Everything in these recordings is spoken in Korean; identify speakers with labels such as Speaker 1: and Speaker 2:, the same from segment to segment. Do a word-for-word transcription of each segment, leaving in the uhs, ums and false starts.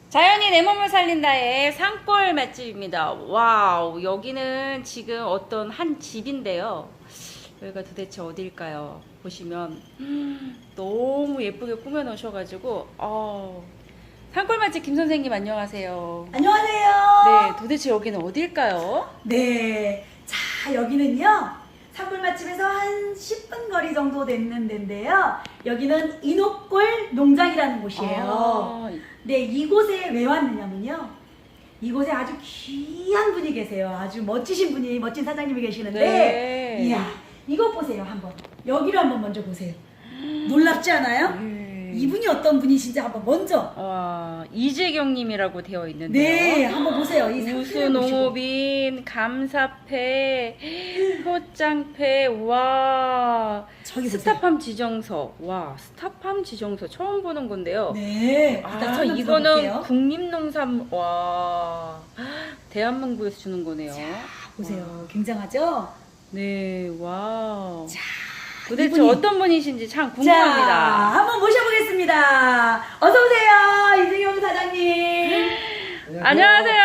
Speaker 1: 자연이 내 몸을 살린다의 산골 맛집입니다. 와우, 여기는 지금 어떤 한 집인데요. 여기가 도대체 어딜까요? 보시면 음, 너무 예쁘게 꾸며 놓으셔가지고 어, 산골 맛집 김 선생님 안녕하세요.
Speaker 2: 안녕하세요.
Speaker 1: 네, 도대체 여기는 어딜까요?
Speaker 2: 네. 자, 여기는요. 산골 맛집에서 한 십 분 거리 정도 되는 데인데요. 여기는 인옥골 농장이라는 곳이에요.
Speaker 1: 아,
Speaker 2: 네, 이곳에 왜 왔느냐면요. 이곳에 아주 귀한 분이 계세요. 아주 멋지신 분이, 멋진 사장님이 계시는데,
Speaker 1: 네.
Speaker 2: 이야, 이것 보세요, 한번. 여기를 한번 먼저 보세요. 놀랍지 않아요?
Speaker 1: 네.
Speaker 2: 이분이 어떤 분이신지 한번 먼저.
Speaker 1: 와, 이재경님이라고 되어 있는데요.
Speaker 2: 네, 한번 보세요. 이 상태를 보시고.
Speaker 1: 우수농업인, 감사패, 효장패, 와,
Speaker 2: 저기 보세요.
Speaker 1: 스타팜 지정서, 와, 스타팜 지정서 처음 보는 건데요.
Speaker 2: 네,
Speaker 1: 아,
Speaker 2: 일단 설명
Speaker 1: 이거는
Speaker 2: 들어볼게요.
Speaker 1: 국립농산, 와, 대한민국에서 주는 거네요.
Speaker 2: 보세요. 굉장하죠?
Speaker 1: 네, 와.
Speaker 2: 자,
Speaker 1: 도대체
Speaker 2: 이분이-
Speaker 1: 어떤 분이신지 참
Speaker 2: 자,
Speaker 1: 궁금합니다.
Speaker 2: 한번 모셔보겠습니다. 어서 오세요, 이승용 사장님.
Speaker 1: 안녕하세요.
Speaker 2: 네,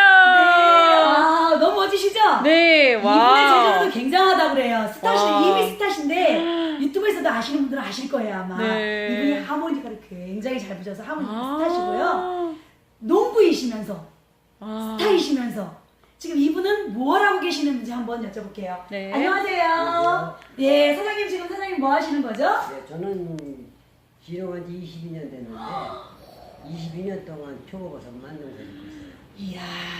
Speaker 2: 아, 너무 멋지시죠?
Speaker 1: 네,
Speaker 2: 이분의
Speaker 1: 와.
Speaker 2: 재주도 굉장하다고 그래요. 스타시
Speaker 1: 와.
Speaker 2: 이미 스타신데 유튜브에서도 아시는 분들은 아실 거예요 아마.
Speaker 1: 네.
Speaker 2: 이분이 하모니카를 굉장히 잘 부셔서 하모니카
Speaker 1: 아.
Speaker 2: 스타시고요. 농부이시면서
Speaker 1: 아.
Speaker 2: 스타이시면서 지금 이분은 뭘 하고 계시는지 한번 여쭤볼게요.
Speaker 1: 네.
Speaker 2: 안녕하세요.
Speaker 3: 안녕하세요.
Speaker 2: 네, 사장님 지금 사장님 뭐 하시는 거죠?
Speaker 3: 네, 저는 기농한 지 이십이 년 됐는데 이십이 년 동안 표고버섯 만들어서 있고 있어요.
Speaker 2: 이야,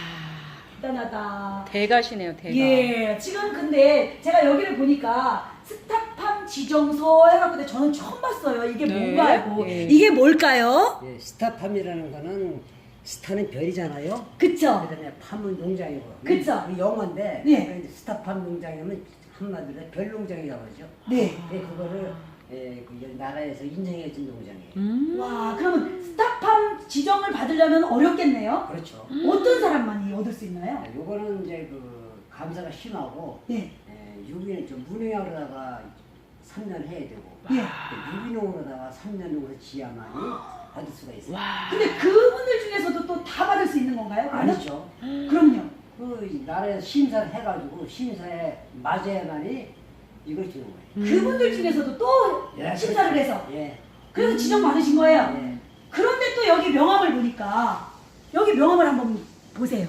Speaker 2: 대단하다.
Speaker 1: 대가시네요, 대가.
Speaker 2: 예, 지금 근데 제가 여기를 보니까 스타팜 지정서 해갖고 저는 처음 봤어요. 이게
Speaker 1: 네.
Speaker 2: 뭔가 하고.
Speaker 1: 예.
Speaker 2: 이게 뭘까요?
Speaker 3: 예, 스타팜이라는 거는 스타는 별이잖아요.
Speaker 2: 그쵸?
Speaker 3: 그다음에 팜은 농장이고.
Speaker 2: 그쵸?
Speaker 3: 우리 영어인데
Speaker 2: 네.
Speaker 3: 그러니까 스타팜 농장이면 한마디로 별 농장이라고 그러죠.
Speaker 2: 네.
Speaker 3: 근데 그거를 예, 그 나라에서 인정해 준 농장이에요.
Speaker 1: 음.
Speaker 2: 와, 그러면 스타팜 지정을 받으려면 어렵겠네요?
Speaker 3: 그렇죠.
Speaker 2: 어떤 사람만이 얻을 수 있나요?
Speaker 3: 자, 요거는 이제 그 감사가 심하고
Speaker 2: 네.
Speaker 3: 예, 유기는 좀 무농약으로다가 삼 년 해야 되고
Speaker 2: 예.
Speaker 3: 유기농으로다가 삼 년 후에 지야만이 받을 수가 있어요.
Speaker 1: 와.
Speaker 2: 근데 그분들 중에서도 또 다 받을 수 있는 건가요? 그러면?
Speaker 3: 아니죠.
Speaker 2: 그럼요.
Speaker 3: 그 나라에서 심사를 해가지고 심사에 맞아야만이 이걸 주는 거예요.
Speaker 1: 음.
Speaker 2: 그분들 중에서도 또
Speaker 3: 예,
Speaker 2: 심사를
Speaker 3: 그렇죠.
Speaker 2: 해서
Speaker 3: 예.
Speaker 2: 그래서 지정받으신 거예요?
Speaker 3: 예.
Speaker 2: 그런데 또 여기 명함을 보니까 여기 명함을 한번 보세요.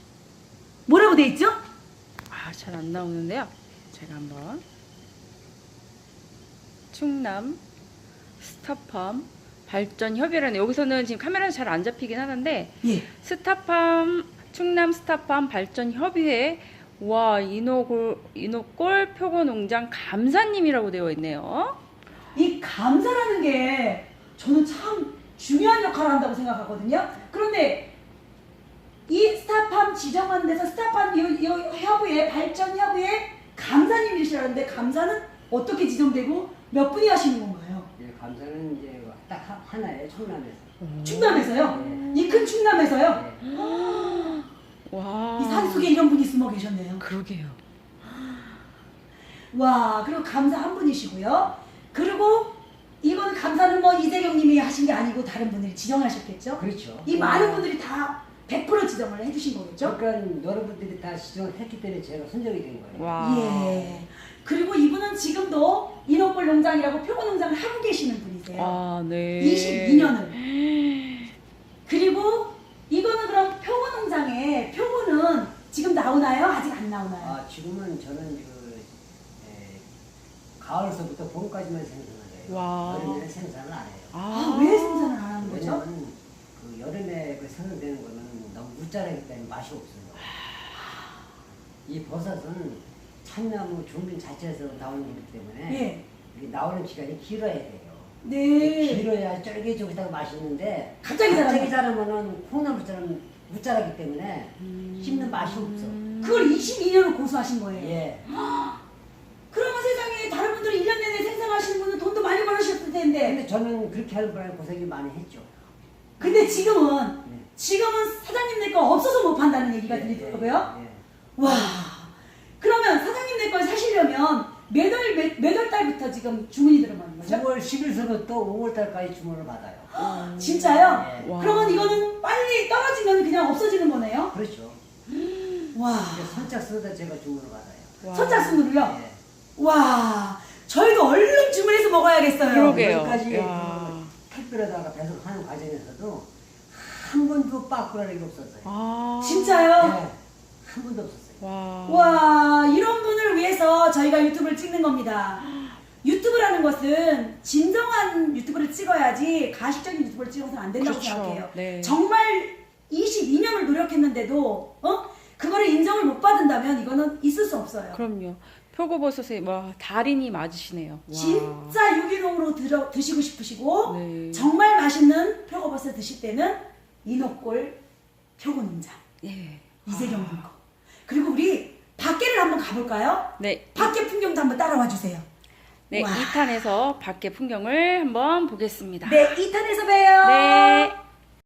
Speaker 2: 뭐라고 돼 있죠?
Speaker 1: 아, 잘 안 나오는데요. 제가 한번. 충남 스타팜 발전 협의라는, 여기서는 지금 카메라는 잘 안 잡히긴 하는데
Speaker 2: 예.
Speaker 1: 스타팜 충남 스타팜 발전 협의회, 와, 인호골 인호골 표고농장 감사님이라고 되어 있네요.
Speaker 2: 이 감사라는 게 저는 참 중요한 역할을 한다고 생각하거든요. 그런데 이 스타팜 지정하는 데서 스타팜 이, 이 협의회 발전 협의회 감사님이시라는데 감사는 어떻게 지정되고 몇 분이 하시는 건가요?
Speaker 3: 예, 감사는 이제 딱 하- 하나예요, 충남에서.
Speaker 2: 충남에서요? 이 큰 충남에서요?
Speaker 3: 예.
Speaker 1: 와.
Speaker 2: 이 산속에 이런 분이 숨어 계셨네요.
Speaker 1: 그러게요.
Speaker 2: 와, 그리고 감사 한 분이시고요. 그리고 이건 감사는 뭐 이재경 님이 하신 게 아니고 다른 분들이 지정하셨겠죠?
Speaker 3: 그렇죠.
Speaker 2: 이 많은 분들이 다 백 퍼센트 지정을 해주신 거겠죠?
Speaker 3: 그러니까 여러분들이 다 지정을 했기 때문에 제가 선정이 된 거예요.
Speaker 1: 와.
Speaker 2: 예. 그리고 이분은 지금도 인옥골 농장이라고 표고 농장을 하고 계시는 분이세요.
Speaker 1: 아, 네.
Speaker 2: 이십이 년을. 그리고 이거는 그럼 표고 농장에 표고는 지금 나오나요? 아직 안 나오나요?
Speaker 3: 아, 지금은 저는 그 에, 가을서부터 봄까지만 생산을 해요.
Speaker 1: 와.
Speaker 3: 여름에는 생산을 안 해요.
Speaker 2: 아, 왜 생산을 안 하는 거죠?
Speaker 3: 왜냐면 그 여름에 그 생산되는 거는 너무 무자라기 때문에 맛이 없어요. 이 버섯은 참나무 종균 자체에서 나오는 거기 때문에
Speaker 2: 예.
Speaker 3: 이게 나오는 기간이 길어야 돼요.
Speaker 2: 네.
Speaker 3: 길어야 쫄깃쫄깃하고 맛있는데
Speaker 2: 갑자기 자라면
Speaker 3: 갑자기 자라면은 콩나물처럼 무자라기 때문에 씹는 맛이 없어.
Speaker 2: 그걸 이십이 년을 고수하신 거예요.
Speaker 3: 예.
Speaker 2: 그러면 세상에 다른 분들이 일 년 내내 생산하시는 분은 돈도 많이 벌으셨을 텐데.
Speaker 3: 근데 저는 그렇게 하는 바람에 고생이 많이 했죠.
Speaker 2: 근데 지금은
Speaker 3: 네.
Speaker 2: 지금은 사장님네 거 없어서 못 판다는 얘기가
Speaker 3: 예,
Speaker 2: 들리더라고요.
Speaker 3: 예, 예.
Speaker 2: 와. 그러면 사장님네 걸 사시려면 몇 월 몇, 몇 월 달부터 지금 주문이 들어가는 거죠?
Speaker 3: 구월 십일서부터 오월 달까지 주문을 받아요.
Speaker 2: 진짜요?
Speaker 3: 예.
Speaker 1: 와.
Speaker 2: 그러면 이거는 빨리 떨어져 그냥 없어지는 거네요?
Speaker 3: 그렇죠.
Speaker 2: 와.
Speaker 3: 이제 선착순으로 제가 주문을 받아요.
Speaker 1: 와.
Speaker 2: 선착순으로요?
Speaker 3: 예.
Speaker 2: 와. 저희도 얼른 주문해서 먹어야겠어요.
Speaker 1: 그러게요.
Speaker 3: 여기까지
Speaker 1: 야.
Speaker 3: 그 택배로다가 배송하는 과정에서도 한 번도 빠꾸라는 게 없었어요.
Speaker 1: 아.
Speaker 2: 진짜요?
Speaker 3: 네, 한 번도 없었어요.
Speaker 1: 와.
Speaker 2: 와, 이런 분을 위해서 저희가 유튜브를 찍는 겁니다. 유튜브라는 것은 진정한 유튜브를 찍어야지 가식적인 유튜브를 찍어서는 안 된다고
Speaker 1: 그렇죠.
Speaker 2: 생각해요.
Speaker 1: 네.
Speaker 2: 정말 이십이 년을 노력했는데도 어? 그거를 인정을 못 받는다면 이거는 있을 수 없어요.
Speaker 1: 그럼요. 표고버섯의 와 달인이 맞으시네요. 와.
Speaker 2: 진짜 유기농으로 들어, 드시고 싶으시고
Speaker 1: 네.
Speaker 2: 정말 맛있는 표고버섯 드실 때는 이노골 표고농장
Speaker 1: 예.
Speaker 2: 이재경님 거. 그리고 우리 밖에를 한번 가볼까요?
Speaker 1: 네.
Speaker 2: 밖에 풍경도 한번 따라와 주세요.
Speaker 1: 네,
Speaker 2: 와.
Speaker 1: 이 탄에서 밖의 풍경을 한번 보겠습니다.
Speaker 2: 네, 이 탄에서 봬요.
Speaker 1: 네.